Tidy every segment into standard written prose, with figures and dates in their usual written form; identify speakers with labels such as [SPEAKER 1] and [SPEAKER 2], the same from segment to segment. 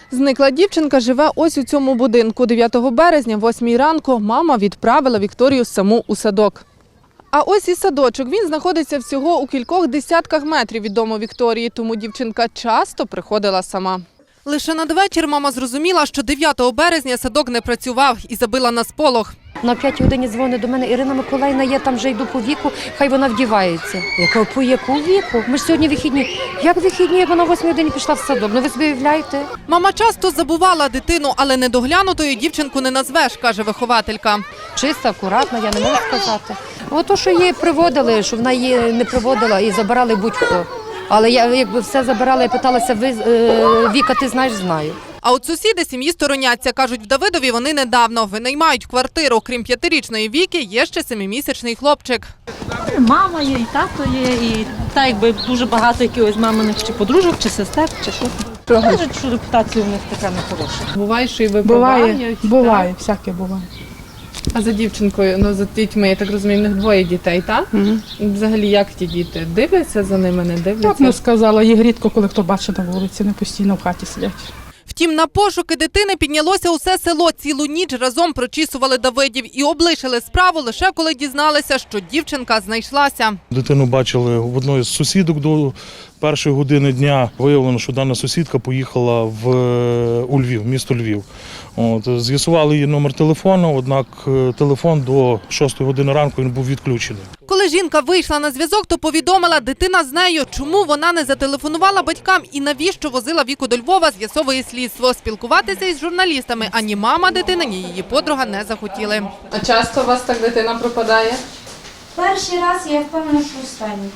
[SPEAKER 1] Зникла дівчинка живе ось у цьому будинку. 9 березня, 8 ранку, мама відправила Вікторію саму у садок. А ось і садочок. Він знаходиться всього у кількох десятках метрів від дому Вікторії, тому дівчинка часто приходила сама. Лише надвечір мама зрозуміла, що 9 березня садок не працював і забила на сполох.
[SPEAKER 2] На 5 годині дзвонить до мене: Ірина Миколаївна, я там вже йду по віку, хай вона вдівається. Я кажу, по яку віку? Ми ж сьогодні вихідні. Як вихідні, як вона о 8 годині пішла в садок? Ну ви собі уявляєте?
[SPEAKER 1] Мама часто забувала дитину, але недоглянутою дівчинку не назвеш, каже вихователька.
[SPEAKER 2] Чиста, акуратна, я не можу сказати. Ото, що її приводили, що вона її не приводила і забирали будь-хто. Але я якби все забирала, я питалася: Віка, ти знаєш? Знаю.
[SPEAKER 1] А от сусіди сім'ї стороняться. Кажуть, в Давидові вони недавно винаймають квартиру. Крім 5-річної Віки, є ще 7-місячний хлопчик.
[SPEAKER 3] Мама є, і тато є, і так якби дуже багато якихось маминих чи подружок, чи сестер, чи що. Кажуть, що репутація у них така нехороша.
[SPEAKER 1] Буває, що і випивають?
[SPEAKER 4] Буває, всяке буває.
[SPEAKER 1] А за дівчинкою, за дітьми, я так розумію, в них 2 дітей, так?
[SPEAKER 4] Угу.
[SPEAKER 1] Взагалі, як ті діти? Дивляться за ними, не дивляться?
[SPEAKER 4] Як не сказала, їх рідко, коли хто бачить на вулиці, не постійно в хаті сидять.
[SPEAKER 1] Втім, на пошуки дитини піднялося усе село. Цілу ніч разом прочісували Давидів і облишили справу лише коли дізналися, що дівчинка знайшлася.
[SPEAKER 5] Дитину бачили в одної з сусідок до першої години дня. Виявлено, що дана сусідка поїхала у Львів, місто Львів. З'ясували її номер телефону, однак телефон до 6 години ранку він був відключений.
[SPEAKER 1] Коли жінка вийшла на зв'язок, то повідомила, дитина з нею. Чому вона не зателефонувала батькам і навіщо возила Віку до Львова, з'ясовує слідство. Спілкуватися із журналістами ані мама дитини, ні її подруга не захотіли. А часто у вас так дитина пропадає?
[SPEAKER 6] Перший раз я впевнена, що останній.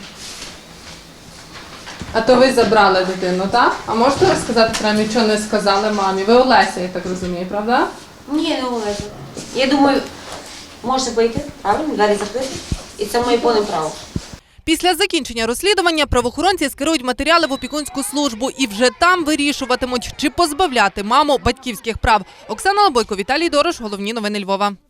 [SPEAKER 1] А то ви забрали дитину, так? А можете розказати прямо, що не сказали мамі? Ви Олеся, я так розумію, правда?
[SPEAKER 6] Ні, не Олеся. Я думаю, можете вийти, правильно, двері закрити, і це моє повне право.
[SPEAKER 1] Після закінчення розслідування правоохоронці скерують матеріали в опікунську службу і вже там вирішуватимуть, чи позбавляти маму батьківських прав. Оксана Лобойко, Віталій Дорош, головні новини Львова.